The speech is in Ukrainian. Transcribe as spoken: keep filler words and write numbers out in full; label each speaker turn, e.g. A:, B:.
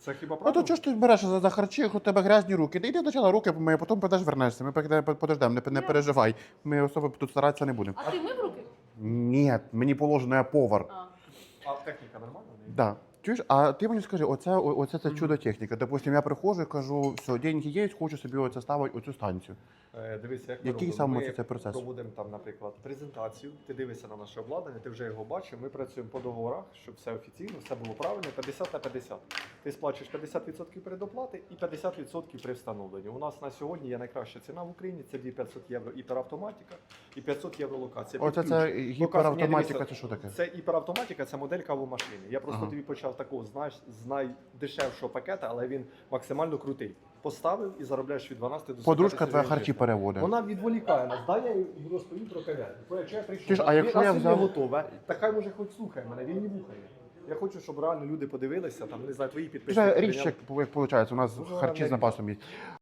A: Це хіба
B: Ну то
A: правда?
B: чого ж ти береш за, за харчі, у тебе грязні руки? Ти йди спочатку руки помий, а потім підеш вернешся. Ми поки- подождемо, не, не переживай. Ми особо тут старатися не будемо.
C: А ти мив руки?
B: Ні, мені положено, я повар.
C: А.
A: А техніка нормальна? в неї?
B: Да. Чуєш, а ти мені скажи, оце, о- оце це чудо техніка. Допустим, я приходжу і кажу, все, деньги є, хочу собі оце ставити оцю станцію.
A: Е, Дивися, як ми
B: Який
A: робимо.
B: саме
A: Ми
B: це процес?
A: проводимо там, наприклад, презентацію. Ти дивишся на наше обладнання, ти вже його бачив. Ми працюємо по договорах, щоб все офіційно, все було правильно, п'ятдесят на п'ятдесят. Ти сплачуєш п'ятдесят відсотків передоплати і п'ятдесят відсотків при встановленні. У нас на сьогодні є найкраща ціна в Україні, це дві п'ятсот євро іперавтоматика і п'ятсот євро локація.
B: Оце
A: Під
B: це
A: ключ. Локація-
B: гіперавтоматика,
A: Ні, дивися,
B: це що таке?
A: Це іперавтоматика, це модель кавомашини. Я просто
B: Ага.
A: тобі почав такого, знаєш, з найдешевшого пакета, але він максимально крутий. Поставив і заробляєш від дванадцяти до
B: Подружка
A: сорока
B: твоя
A: тисяч
B: харчі
A: гривень.
B: переводить.
A: Вона відволікає нас. Дай я їй розповім про кав'ярню. Бо Якщо я прийшов,
B: Ти ж, а якщо
A: раз
B: я
A: він
B: взяв-
A: не готове, та хай може хоч слухає мене, він не вухає. Я хочу, щоб реально люди подивилися, там, не знаю, твої підписники.
B: Вже
A: прийняли.
B: річ, як виходить, у нас
A: Дуже
B: харчі з
A: гарна
B: запасом є.